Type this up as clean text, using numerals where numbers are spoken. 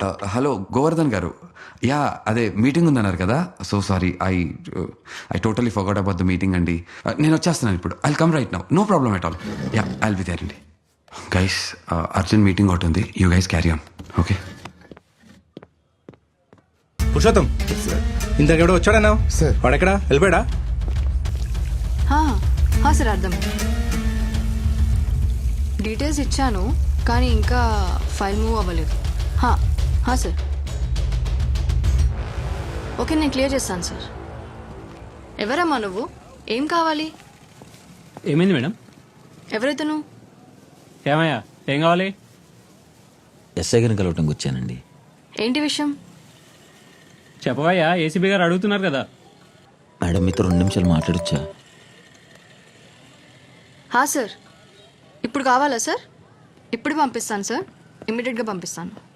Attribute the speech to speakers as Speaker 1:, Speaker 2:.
Speaker 1: Hello Govardhan గారు, yeah అదే meeting ఉందన్నారు కదా, so sorry I totally forgot about the meeting అండి. నేను వచ్చేస్తున్నాను ఇప్పుడు, I'll come right now, no problem at all. Yeah I'll be there అండి. గైస్ అర్జెంట్ మీటింగ్ ఒకటి ఉంది, you guys carry on. Okay
Speaker 2: Purushottam, ఇంతకెవడో వచ్చాడన్నావు
Speaker 3: సార్.
Speaker 2: వాడెక్కడా వెళ్ళిపోయాడా?
Speaker 4: సార్ అర్థం. డీటెయిల్స్ ఇచ్చాను కానీ ఇంకా ఫైల్ మూవ్ అవ్వలేదు. సార్ ఓకే, నేను క్లియర్ చేస్తాను సార్. ఎవరమ్మా నువ్వు? ఏం కావాలి?
Speaker 5: ఏమైంది మేడం?
Speaker 4: ఎవరైతను?
Speaker 5: ఏమయ్యా, ఏం కావాలి?
Speaker 6: ఎస్ఐ గారిని కలవటంకి వచ్చానండి.
Speaker 4: ఏంటి విషయం?
Speaker 5: చెప్పవయ్యా, ఏసీబీ గారు అడుగుతున్నారు కదా.
Speaker 6: మేడం మీతో 2 నిమిషాలు మాట్లాడొచ్చా?
Speaker 4: సార్ ఇప్పుడు కావాలా సార్? ఇప్పుడు పంపిస్తాను సార్, ఇమ్మీడియట్గా పంపిస్తాను.